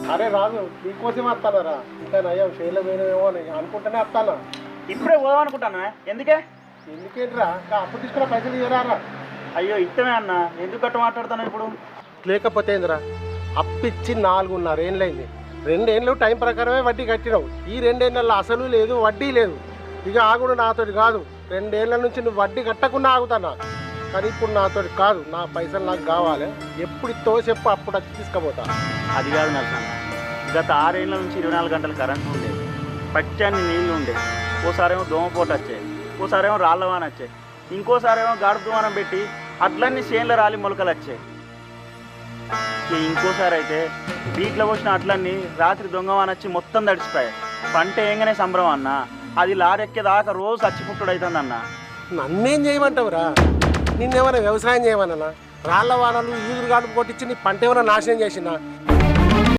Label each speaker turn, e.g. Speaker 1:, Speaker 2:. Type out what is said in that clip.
Speaker 1: అరే రాజు నీకోసం వస్తానరా ఇంకా నయ్యం షేర్లో పోయినామేమో అని అనుకుంటూనే వస్తానా.
Speaker 2: ఇప్పుడే పోదాం అనుకుంటాను. ఎందుకే?
Speaker 1: ఎందుకేంట్రా ఇంకా అప్పు తీసుకున్న పైసలు ఇవ్వరారా?
Speaker 2: అయ్యో ఇత్తమే అన్న, ఎందుకు గట్ట మాట్లాడుతాను ఇప్పుడు?
Speaker 1: లేకపోతే ఏందిరా, అప్పిచ్చి 4.5 ఏళ్ళైంది. 2 ఏళ్ళు టైం ప్రకారమే వడ్డీ కట్టినావు. ఈ 2 ఏళ్ళల్లో అసలు లేదు వడ్డీ లేదు. ఇక ఆగుడు నాతోటి కాదు. 2 ఏళ్ళ నుంచి నువ్వు వడ్డీ కట్టకుండా ఆగుతానా, కానీ ఇప్పుడు నాతోటి కాదు. నా పైసలు నాకు కావాలి. ఎప్పుడు ఇస్తావో చెప్పు, అప్పుడు వచ్చి తీసుకుపోతా.
Speaker 2: అది కాదు నరసన్న, గత 6 ఏళ్ళ నుంచి 24 గంటలు కరెంట్ ఉండేది, పచ్చని నీళ్ళు ఉండేది. ఓసారేమో దోమపోటు వచ్చాయి, ఓసారేమో రాళ్ళవాన వచ్చాయి, ఇంకోసారేమో గాడుపు దుమానం పెట్టి అట్లన్నీ చేన్ల రాలి మొలకలు వచ్చాయి. ఇంకోసారి అయితే బీట్లో పోసిన అట్లన్నీ రాత్రి దొంగవాన వచ్చి మొత్తం తడిచిపోయాయి. పంట ఏంగానే సంబరం అన్న, అది లారెక్కేదాకా రోజు చచ్చిపుట్టుడు అవుతుంది అన్న.
Speaker 1: నన్నేం చేయమంటావురా? నిన్నేమైనా వ్యవసాయం చేయమన్నా? రాళ్ల వానలు ఈదురు గాడుపు కొట్టించి నీ పంట ఏమైనా నాశనం చేసినా?